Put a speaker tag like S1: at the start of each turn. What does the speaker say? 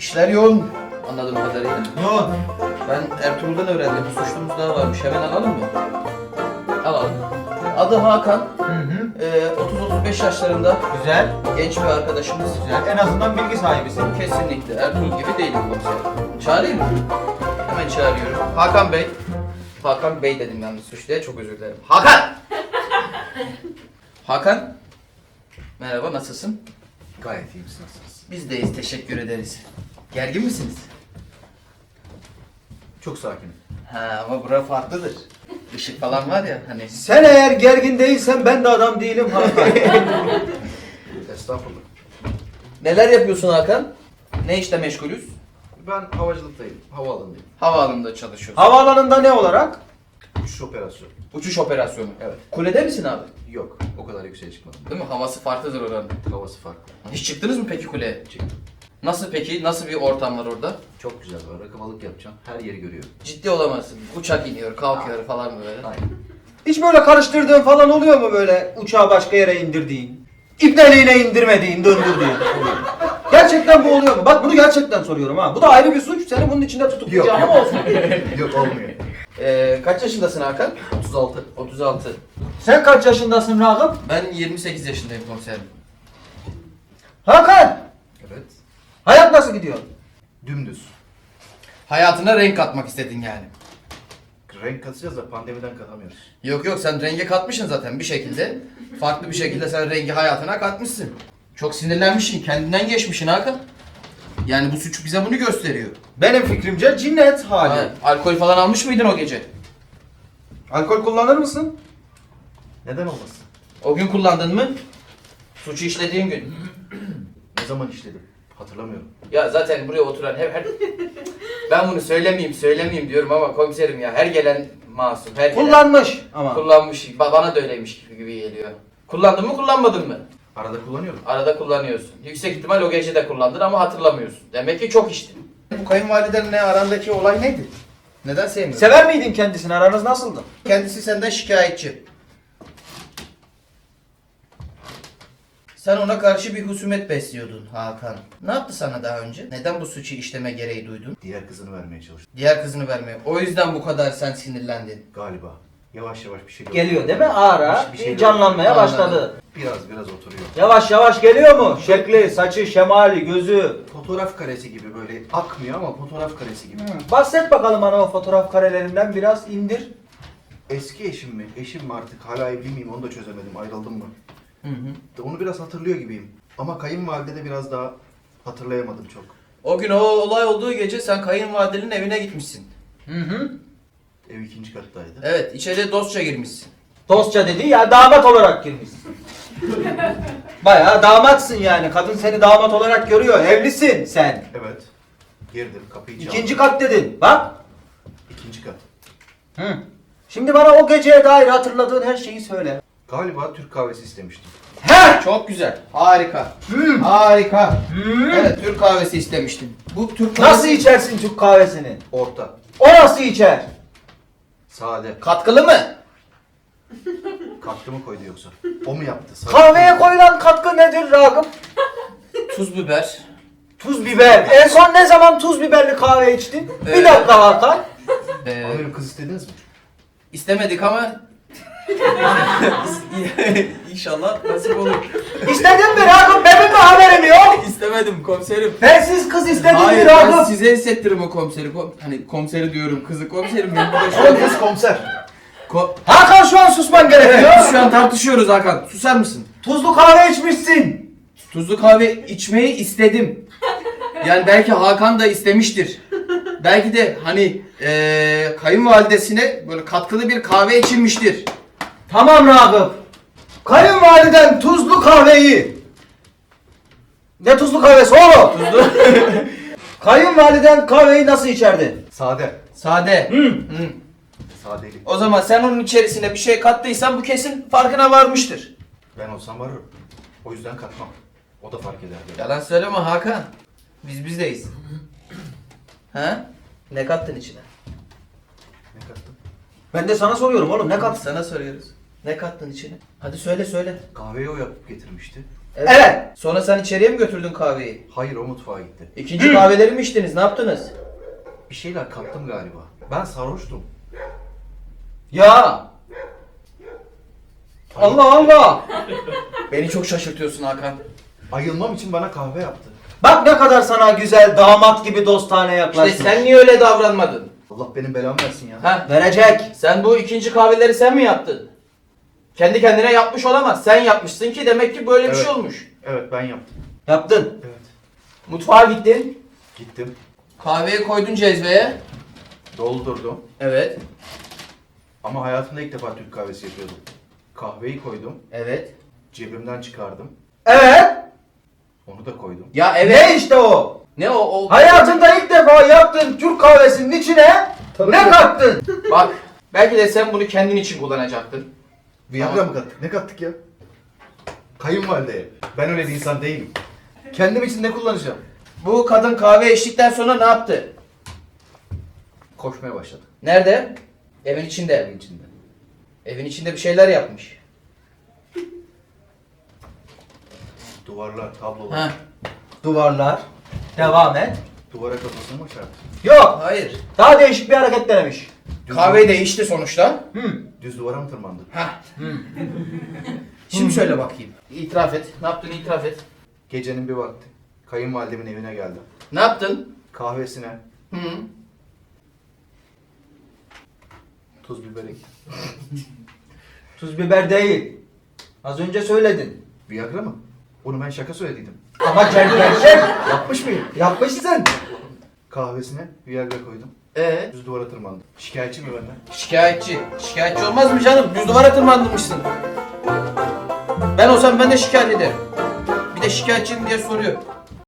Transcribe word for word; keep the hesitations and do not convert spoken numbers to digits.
S1: İşler yoğun anladığım kadarıyla.
S2: Yoğun.
S1: Ben Ertuğrul'dan öğrendim. Bir suçlumuz daha varmış. Hemen alalım mı? Alalım. Adı Hakan.
S2: Hı hı.
S1: Ee, otuz otuz beş yaşlarında.
S2: Güzel.
S1: Genç bir arkadaşımız.
S2: Güzel. En azından bilgi sahibisin.
S1: Kesinlikle. Ertuğrul gibi değilim komiserim. Çağırayım mı? Hemen çağırıyorum. Hakan Bey. Hakan Bey dedim yalnız suçluya. Çok özür dilerim. Hakan! Hakan. Merhaba, nasılsın?
S3: Gayet iyiyim, siz nasılsınız?
S1: Biz deyiz, teşekkür ederiz. Gergin misiniz?
S3: Çok sakinim.
S1: Ha ama bura farklıdır. Işık falan var ya hani.
S2: Sen eğer gergin değilsen ben de adam değilim Hakan.
S3: Estağfurullah.
S1: Neler yapıyorsun Hakan? Ne işle meşgulüz?
S3: Ben havacılıktayım, havaalanındayım.
S1: Havaalanında çalışıyorsun.
S2: Havaalanında ne olarak?
S3: Uçuş operasyonu.
S1: Uçuş operasyonu.
S3: Evet.
S1: Kulede misin abi?
S3: Yok, o kadar yükseğe çıkmadım.
S1: Değil mi? Havası farklıdır oranın.
S3: Havası farklı.
S1: Hiç çıktınız mı peki kuleye?
S3: Çıktım.
S1: Nasıl peki? Nasıl bir ortam var orada?
S3: Çok güzel var, rakımalık yapacağım. Her yeri görüyorum.
S1: Ciddi olamazsın. Uçak iniyor, kalkıyor falan böyle.
S3: Aynen.
S2: Hiç böyle karıştırdığın falan oluyor mu böyle uçağı başka yere indirdiğin? İpneliğine indirmediğin, döndürdüğün? Gerçekten bu oluyor mu? Bak bunu gerçekten soruyorum ha. Bu da ayrı bir suç. Seni bunun içinde tutuklayacağım ama olsun.
S3: Yok, olmuyor.
S1: Ee, kaç yaşındasın Hakan?
S3: otuz altı.
S1: otuz altı.
S2: Sen kaç yaşındasın Ragıp?
S1: Ben yirmi sekiz yaşındayım komiserim.
S2: Hakan!
S3: Evet.
S2: Hayat nasıl gidiyor?
S3: Dümdüz.
S1: Hayatına renk katmak istedin yani.
S3: Renk katacağız da pandemiden katamıyoruz.
S1: Yok yok, sen renge katmışsın zaten bir şekilde. Farklı bir şekilde sen rengi hayatına katmışsın. Çok sinirlenmişsin, kendinden geçmişsin Hakan. Yani bu suç bize bunu gösteriyor.
S2: Benim fikrimce cinnet hali.
S1: Ha, alkol falan almış mıydın o gece?
S2: Alkol kullanır mısın?
S3: Neden olmasın?
S1: O gün kullandın mı? Suçu işlediğin gün.
S3: Ne zaman işledim? Hatırlamıyorum.
S1: Ya zaten buraya oturan her, her... Ben bunu söylemeyeyim söylemeyeyim diyorum ama komiserim ya her gelen masum, her gelen
S2: Kullanmış ama.
S1: kullanmış. Ba- Bana da öyleymiş gibi geliyor. Kullandın mı kullanmadın mı?
S3: Arada kullanıyorum.
S1: Arada kullanıyorsun. Yüksek ihtimal o gece de kullandın ama hatırlamıyorsun. Demek ki çok içtin. Bu kayınvalidenle arandaki olay neydi? Neden sevmiyorsun?
S2: Sever miydin kendisini? Aranız nasıldı?
S1: Kendisi senden şikayetçi. Sen ona karşı bir husumet besliyordun Hakan. Ne yaptı sana daha önce? Neden bu suçu işleme gereği duydun?
S3: Diğer kızını vermeye çalıştım.
S1: Diğer kızını vermeye. O yüzden bu kadar sen sinirlendin.
S3: Galiba. Yavaş yavaş bir şey
S2: Geliyor değil mi? Ara
S3: Bir şey
S2: canlanmaya
S1: Anladım.
S2: başladı.
S3: Biraz biraz oturuyor.
S2: Yavaş yavaş geliyor mu? Şekli, saçı, şemali, gözü.
S3: Fotoğraf karesi gibi böyle akmıyor ama fotoğraf karesi gibi.
S2: Bahset bakalım bana o fotoğraf karelerinden biraz indir.
S3: Eski eşim mi? Eşim mi artık? Hala evli miyim? Onu da çözemedim. Ayrıldım mı?
S1: Hı hı.
S3: Onu biraz hatırlıyor gibiyim. Ama kayınvalide de biraz daha hatırlayamadım çok.
S1: O gün o olay olduğu gece sen kayınvalidenin evine gitmişsin.
S2: Hı hı.
S3: Ev ikinci kattaydı.
S1: Evet, içeri dostça girmişsin.
S2: Dostça dedi ya damat olarak girmişsin. Bayağı damatsın yani. Kadın seni damat olarak görüyor. Evlisin sen.
S3: Evet. Girdim. Kapıyı çaldım.
S2: İkinci kat dedin. Bak.
S3: İkinci kat.
S2: Hı. Şimdi bana o geceye dair hatırladığın her şeyi söyle.
S3: Galiba Türk kahvesi istemiştim.
S2: He!
S1: Çok güzel. Harika.
S2: Hmm.
S1: Harika.
S2: Hmm.
S1: Evet, Türk kahvesi istemiştin. Bu Türk kahvesi...
S2: Nasıl içersin Türk kahvesini?
S3: Orta.
S2: O nasıl içer?
S3: Sade.
S1: Katkılı mı?
S3: Katkı mı koydu yoksa? O mu yaptı? Sade.
S2: Kahveye koyulan katkı nedir Ragıp?
S1: Tuz, biber.
S2: Tuz biber. En son ne zaman tuz biberli kahve içtin?
S1: Ee,
S2: Bir dakika Hakan.
S1: Ee,
S3: Amirim kız istediniz mi?
S1: istemedik ama... İnşallah nasip olur.
S2: İstedin mi Ragıp? Benim mi haberim yok?
S1: İstemedim komiserim.
S2: Bensiz kız istedin mi
S1: Hayır, ben
S2: Ragıp?
S1: size hissettiririm o komiseri. Kom hani komiseri diyorum, kızı komiserim. Ben burada şu an...
S3: Kız komiser.
S1: Ko
S2: Hakan şu an susman gerekiyor.
S1: evet, biz şu an tartışıyoruz Hakan. Susar mısın?
S2: Tuzlu kahve içmişsin.
S1: Tuzlu kahve içmeyi istedim. Yani belki Hakan da istemiştir. Belki de hani ee, kayınvalidesine böyle katkılı bir kahve içilmiştir.
S2: Tamam Ragıp. Kayınvaliden tuzlu kahveyi. Ne tuzlu kahvesi oğlum?
S1: Tuzlu.
S2: Kayınvaliden kahveyi nasıl içerdi?
S3: Sade.
S1: Sade.
S2: Hı.
S1: Hı.
S3: Sadeli.
S1: O zaman sen onun içerisine bir şey kattıysan bu kesin farkına varmıştır.
S3: Ben olsam varırım. O yüzden katmam. O da fark ederdi.
S1: Yalan söyleme Hakan. Biz bizdeyiz. Ha? Ne kattın içine?
S3: Ne kattım?
S2: Ben de sana soruyorum oğlum ne
S1: Biz
S2: kattın?
S1: sana soruyoruz. Ne kattın içine? Hadi söyle söyle.
S3: Kahveyi o yapıp getirmişti.
S2: Evet.
S1: Sonra sen içeriye mi götürdün kahveyi?
S3: Hayır, o mutfağa gitti.
S1: İkinci kahveleri mi içtiniz? Ne yaptınız?
S3: Bir şeyler kattım galiba. Ben sarhoştum.
S2: Ya. Allah Allah.
S1: Beni çok şaşırtıyorsun Hakan.
S3: Ayılmam için bana kahve yaptı.
S2: Bak ne kadar sana güzel damat gibi dostane
S1: İşte
S2: yaklaşmış.
S1: sen niye öyle davranmadın?
S3: Allah benim belamı versin ya.
S1: Ha?
S2: Verecek.
S1: Sen bu ikinci kahveleri sen mi yaptın? Kendi kendine yapmış olamaz. Sen yapmışsın ki demek ki böyle bir
S3: Evet.
S1: şey olmuş.
S3: Evet, ben yaptım.
S2: Yaptın.
S3: Evet.
S1: Mutfağa gittin.
S3: Gittim.
S1: Kahveyi koydun cezveye.
S3: Doldurdum.
S1: Evet.
S3: Ama hayatımda ilk defa Türk kahvesi yapıyordum. Kahveyi koydum.
S1: Evet.
S3: Cebimden çıkardım.
S2: Evet.
S3: Onu da koydum.
S1: Ya evet.
S2: Ne işte o?
S1: Ne o? o...
S2: Hayatında ilk defa yaptığın Türk kahvesinin içine ne kattın?
S1: Bak. Belki de sen bunu kendin için kullanacaktın.
S3: Viagra mı kattık? Ne kattık ya? Kayınvalideye. Ben öyle bir insan değilim. Kendim için ne kullanacağım?
S1: Bu kadın kahve içtikten sonra ne yaptı?
S3: Koşmaya başladı.
S1: Nerede? Evin içinde.
S3: Evin içinde.
S1: Evin içinde bir şeyler yapmış.
S3: Duvarlar, tablolar.
S1: Ha.
S2: Duvarlar. Devam et.
S3: Duvara kafasını mı çarptı?
S2: Yok.
S1: Hayır.
S2: Daha değişik bir hareket denemiş.
S3: Düz,
S1: Kahveyi de içti sonuçta.
S2: Hmm.
S3: düz duvara mı tırmandı?
S1: Ha. Şimdi söyle bakayım. İtiraf et. Ne yaptın itiraf et.
S3: Gecenin bir vakti. Kayınvalidemin evine geldim.
S1: Ne yaptın?
S3: Kahvesine
S1: Hı.
S3: tuz biber ektim.
S2: Tuz biber değil. Az önce söyledin.
S3: Viagra mı? Onu ben şaka söylediydim.
S2: Ama ger- gerçek.
S3: Yapmış mıyım?
S2: Yapmışsın.
S3: Kahvesine Viagra koydum.
S1: Ee,
S3: Düz duvara tırmandı. Şikayetçi mi benden?
S1: şikayetçi. Şikayetçi olmaz mı canım? Düz duvara tırmandırmışsın. Ben olsam ben de şikayet ederim. Bir de şikayetçiyim diye soruyor.